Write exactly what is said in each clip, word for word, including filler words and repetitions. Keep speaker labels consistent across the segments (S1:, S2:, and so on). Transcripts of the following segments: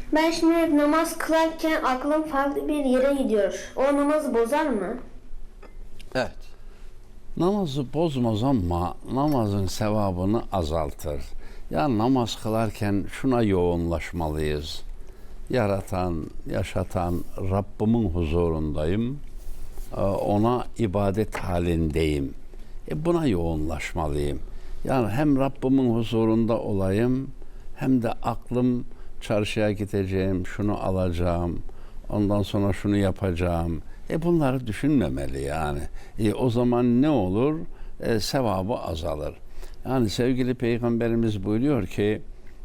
S1: Ben şimdi namaz kılarken aklım farklı bir yere gidiyor. O namazı bozar mı?
S2: Evet.
S3: Namazı bozmaz ama namazın sevabını azaltır. Ya namaz kılarken şuna yoğunlaşmalıyız. Yaratan, yaşatan Rabbimin huzurundayım. Ona ibadet halindeyim. E buna yoğunlaşmalıyım. Yani hem Rabbimin huzurunda olayım, hem de aklım çarşıya gideceğim, şunu alacağım, ondan sonra şunu yapacağım. E bunları düşünmemeli yani. E o zaman ne olur? E, sevabı azalır. Yani sevgili Peygamberimiz buyuruyor ki,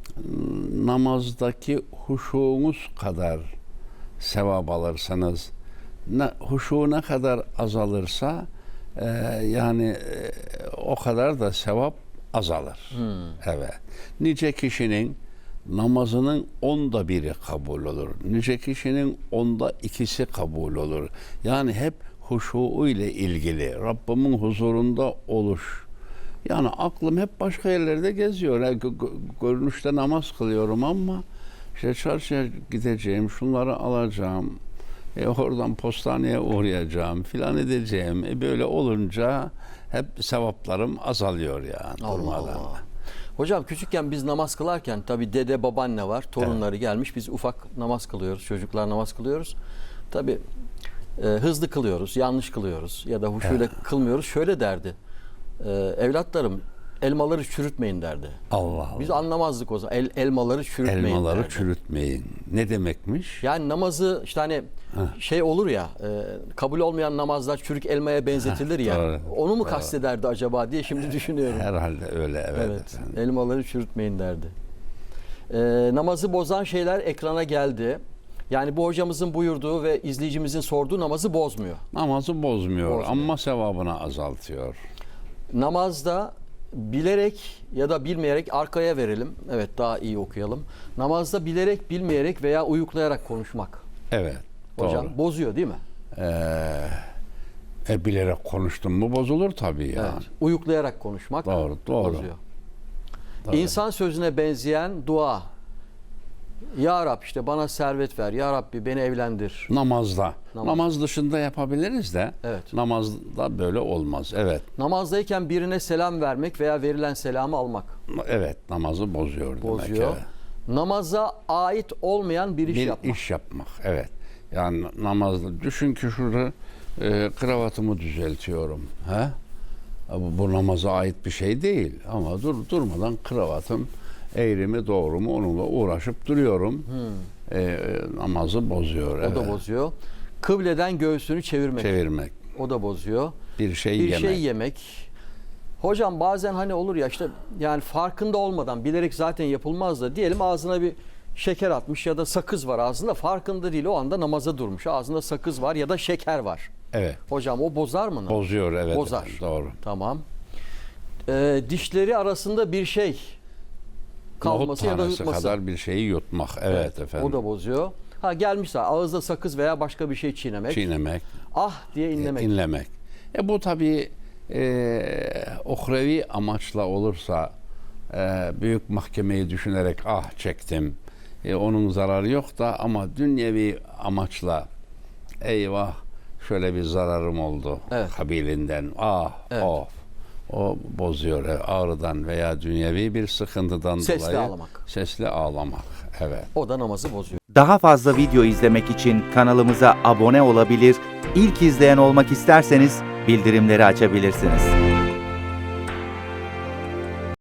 S3: namazdaki huşuğunuz kadar sevap alırsanız, ne, huşu ne kadar azalırsa e, yani e, o kadar da sevap azalır. Hmm. Evet. Nice kişinin namazının onda biri kabul olur. Nice kişinin onda ikisi kabul olur. Yani hep huşu ile ilgili, Rabbimin huzurunda oluş. Yani aklım hep başka yerlerde geziyor. Yani görünüşte namaz kılıyorum ama işte çarşıya gideceğim, şunları alacağım, e oradan postaneye uğrayacağım, filan edeceğim. E böyle olunca hep sevaplarım azalıyor yani durmadan.
S2: Hocam küçükken biz namaz kılarken tabii dede babaanne var, torunları evet. gelmiş. Biz ufak namaz kılıyoruz, çocuklar namaz kılıyoruz. Tabii e, hızlı kılıyoruz, yanlış kılıyoruz ya da huşuyla evet. kılmıyoruz. Şöyle derdi, e, evlatlarım elmaları çürütmeyin derdi.
S3: Allah Allah.
S2: Biz anlamazdık o zaman. El, elmaları çürütmeyin
S3: Elmaları
S2: derdi.
S3: çürütmeyin. Ne demekmiş?
S2: Yani namazı işte hani Heh. şey olur ya, e, kabul olmayan namazlar çürük elmaya benzetilir Heh, ya. Doğru, onu mu doğru. kastederdi acaba diye şimdi düşünüyorum.
S3: Herhalde öyle evet.
S2: Evet.
S3: Efendim.
S2: Elmaları çürütmeyin derdi. E, namazı bozan şeyler ekrana geldi. Yani bu hocamızın buyurduğu ve izleyicimizin sorduğu namazı bozmuyor.
S3: Namazı bozmuyor, bozmuyor. ama sevabını azaltıyor. Namazda
S2: bilerek ya da bilmeyerek arkaya verelim. Evet, daha iyi okuyalım. Namazda bilerek, bilmeyerek veya uyuklayarak konuşmak.
S3: Evet.
S2: Hocam
S3: doğru.
S2: bozuyor değil mi?
S3: Ee, e, bilerek konuştun mu bozulur tabii yani.
S2: Evet. Uyuklayarak konuşmak
S3: doğru, doğru.
S2: bozuyor.
S3: Doğru.
S2: İnsan sözüne benzeyen dua. Ya Rab işte bana servet ver. Ya Rabbi beni evlendir.
S3: Namazda.
S2: Namaz.
S3: Namaz dışında yapabiliriz de
S2: evet.
S3: namazda böyle olmaz. Evet.
S2: Namazdayken birine selam vermek veya verilen selamı almak.
S3: Evet, namazı bozuyor,
S2: bozuyor.
S3: demek. Evet.
S2: Namaza ait olmayan bir iş
S3: bir
S2: yapmak.
S3: iş yapmak. Evet. Yani namazda düşün ki şurada e, kravatımı düzeltiyorum. He? Bu, bu namaza ait bir şey değil ama dur durmadan kravatım eğri mi doğru mu onunla uğraşıp duruyorum. Hmm. E, namazı bozuyor.
S2: O
S3: evet.
S2: da bozuyor. Kıbleden göğsünü çevirmek.
S3: Çevirmek.
S2: O da bozuyor.
S3: Bir şey
S2: bir
S3: yemek.
S2: şey yemek. Hocam bazen hani olur ya işte yani farkında olmadan bilerek zaten yapılmaz da diyelim ağzına bir şeker atmış ya da sakız var ağzında, farkında değil, o anda namaza durmuş. Ağzında sakız var ya da şeker var.
S3: Evet.
S2: Hocam o bozar mı?
S3: Bozuyor evet.
S2: Bozar.
S3: Efendim, doğru.
S2: Tamam. Ee, dişleri arasında bir şey kalması ya da yutması
S3: kadar bir şeyi yutmak. Evet, evet efendim.
S2: O da bozuyor. Ha gelmişse ağızda sakız veya başka bir şey çiğnemek.
S3: Çiğnemek.
S2: Ah diye inlemek.
S3: E, inlemek. E bu tabii e, uhrevi amaçla olursa e, büyük mahkemeyi düşünerek ah çektim. E, onun zararı yok da ama dünyevi amaçla eyvah şöyle bir zararım oldu
S2: evet.
S3: kabilinden ah evet. of. O bozuyor. Ağrıdan veya dünyevi bir sıkıntıdan
S2: sesli
S3: dolayı
S2: ağlamak.
S3: Sesli ağlamak. Evet.
S2: O da namazı bozuyor.
S4: Daha fazla video izlemek için kanalımıza abone olabilir, ilk izleyen olmak isterseniz bildirimleri açabilirsiniz.